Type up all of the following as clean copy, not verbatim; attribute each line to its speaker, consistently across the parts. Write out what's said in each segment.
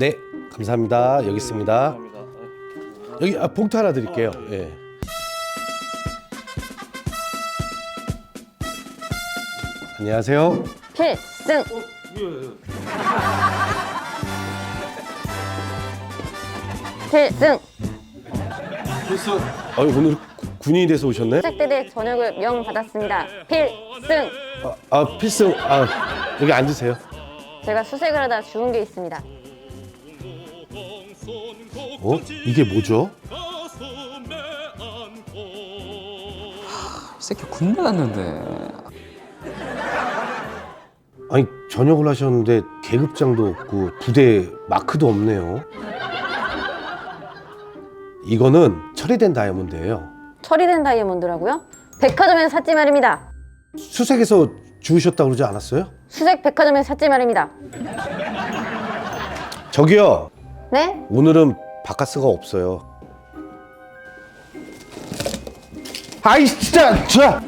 Speaker 1: 네, 감사합니다. 여기 있습니다.
Speaker 2: 감사합니다.
Speaker 1: 여기 봉투 하나 드릴게요. 예. 안녕하세요.
Speaker 3: 필승. 필승.
Speaker 2: 필승.
Speaker 1: 오늘 군인이 돼서 오셨나요?
Speaker 3: 수색대대 전역을 명받았습니다. 필승.
Speaker 1: 필승. 여기 앉으세요.
Speaker 3: 제가 수색을 하다 죽은 게 있습니다.
Speaker 1: 이게 뭐죠?
Speaker 4: 이 새끼 군대 갔는데.
Speaker 1: 아니, 전역을 하셨는데 계급장도 없고 부대 마크도 없네요. 이거는 처리된 다이아몬드예요.
Speaker 3: 처리된 다이아몬드라고요? 백화점에서 샀지 말입니다.
Speaker 1: 수색에서 주우셨다고 그러지 않았어요?
Speaker 3: 수색 백화점에서 샀지 말입니다.
Speaker 1: 저기요,
Speaker 3: 네?
Speaker 1: 오늘은 바카스가 없어요. 아이 진짜!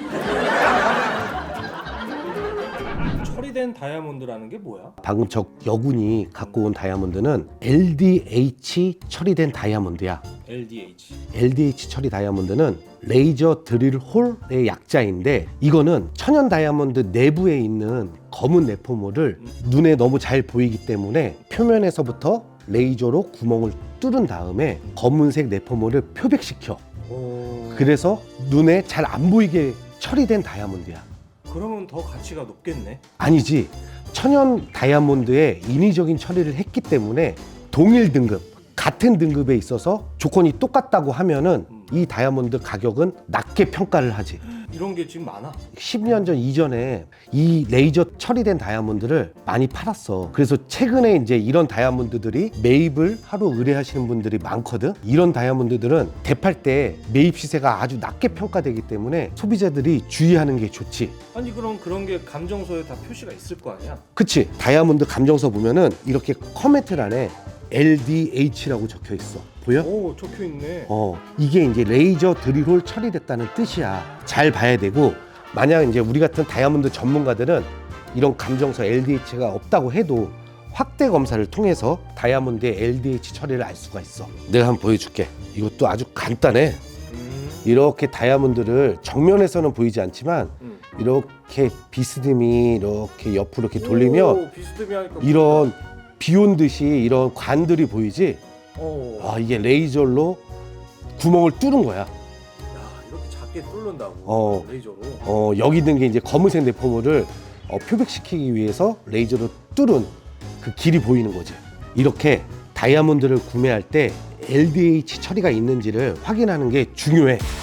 Speaker 2: 처리된 다이아몬드라는 게 뭐야?
Speaker 1: 방금 저 여군이 갖고 온 다이아몬드는 LDH 처리된 다이아몬드야.
Speaker 2: LDH.
Speaker 1: LDH 처리 다이아몬드는 레이저 드릴 홀의 약자인데, 이거는 천연 다이아몬드 내부에 있는 검은 내포물을 눈에 너무 잘 보이기 때문에 표면에서부터 레이저로 구멍을 뚫은 다음에 검은색 내포물을 표백시켜. 그래서 눈에 잘 안 보이게 처리된 다이아몬드야.
Speaker 2: 그러면 더 가치가 높겠네.
Speaker 1: 아니지, 천연 다이아몬드에 인위적인 처리를 했기 때문에 동일 등급, 같은 등급에 있어서 조건이 똑같다고 하면은 이 다이아몬드 가격은 낮게 평가를 하지.
Speaker 2: 이런 게 지금 많아.
Speaker 1: 10년 전 이전에 이 레이저 처리된 다이아몬드를 많이 팔았어. 그래서 최근에 이제 이런 다이아몬드들이 매입을 하러 의뢰하시는 분들이 많거든. 이런 다이아몬드들은 대팔 때 매입 시세가 아주 낮게 평가되기 때문에 소비자들이 주의하는 게 좋지.
Speaker 2: 아니 그럼 그런 게 감정서에 다 표시가 있을 거 아니야?
Speaker 1: 그치? 다이아몬드 감정서 보면은 이렇게 커멘트란에 LDH라고 적혀 있어. 보여?
Speaker 2: 오, 적혀 있네.
Speaker 1: 이게 이제 레이저 드릴홀 처리됐다는 뜻이야. 잘 봐야 되고, 만약 이제 우리 같은 다이아몬드 전문가들은 이런 감정서 LDH가 없다고 해도 확대 검사를 통해서 다이아몬드의 LDH 처리를 알 수가 있어. 내가 한번 보여줄게. 이것도 아주 간단해. 이렇게 다이아몬드를 정면에서는 보이지 않지만 이렇게 비스듬히 이렇게 옆으로 이렇게 돌리면
Speaker 2: 오, 비스듬히 하니까
Speaker 1: 이런 비 온 듯이 이런 관들이 보이지? 이게 레이저로 구멍을 뚫은 거야.
Speaker 2: 야, 이렇게 작게 뚫는다고. 레이저로.
Speaker 1: 여기 있는 게 이제 검은색 내포물을 표백시키기 위해서 레이저로 뚫은 그 길이 보이는 거지. 이렇게 다이아몬드를 구매할 때 LDH 처리가 있는지를 확인하는 게 중요해.